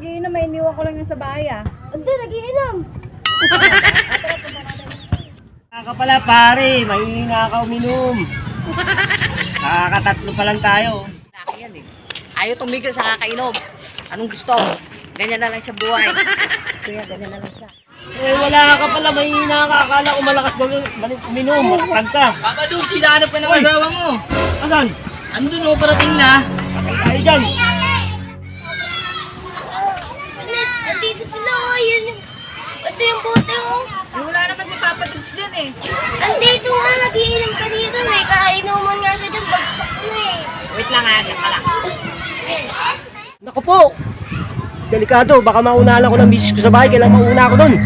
mag-iinom, may iniwan ko lang yung sa bahay ah. Hindi, nagiinom. Kaka pala pare, mahihina ka uminom. Nakakatatlo pa lang tayo. Laki yan eh. Ayaw tumigil sa kakainom. Anong gusto? Ganyan na lang siya buhay. Kaya ganyan na lang siya. Eh wala ka pala, mahihina ka. Akala ko malakas uminom, matatag ka. Papa Dug, sinahanap ka ng asawa mo. Asan? Andun o, parating na. Patay tayo dyan. Nandito sila, oh. Yun yung... Ito yung bote, oh. Eh, wala naman si Papa Dugs dyan eh. Andito nga, nagiinom kanina, eh. Kakainuman nga siya dyan, bagsak na eh. Wait lang ha, yan pala. Naku po. Delikado, baka maunahan ako ng misis ko sa bahay. Kailangan mauna ako doon.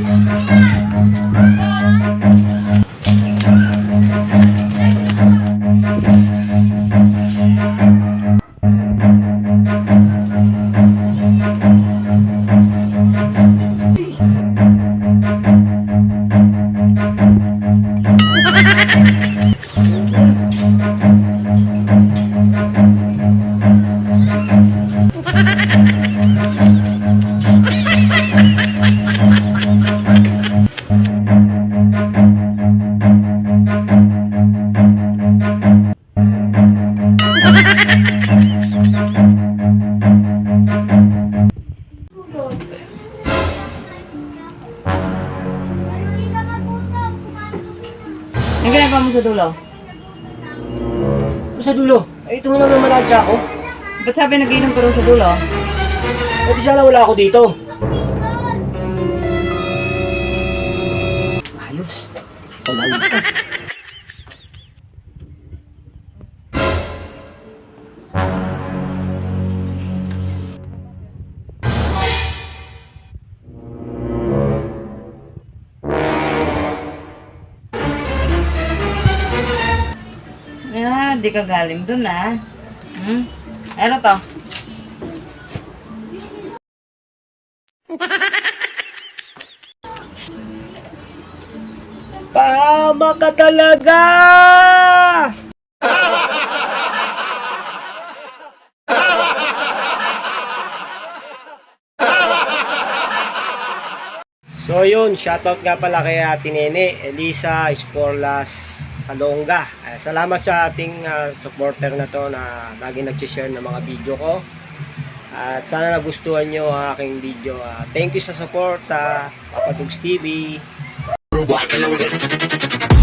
Ang ginagawa mo sa dulo? Sa dulo. Eh, ito mo naman malansya ako. Ba't sabi nag-inom ka rin sa dulo? Eh, di sana wala ako dito. Ayos. Palaligtas. Ah, di ka galing dun ah. Ano to? Tama ka talaga! So yun, shoutout nga pala kay Ate Nene, Elisa Esporlas Salonga. Salamat sa ating supporter na to na lagi nag-share ng mga video ko. At sana nagustuhan nyo ang aking video. Thank you sa support, Papa Dugs TV.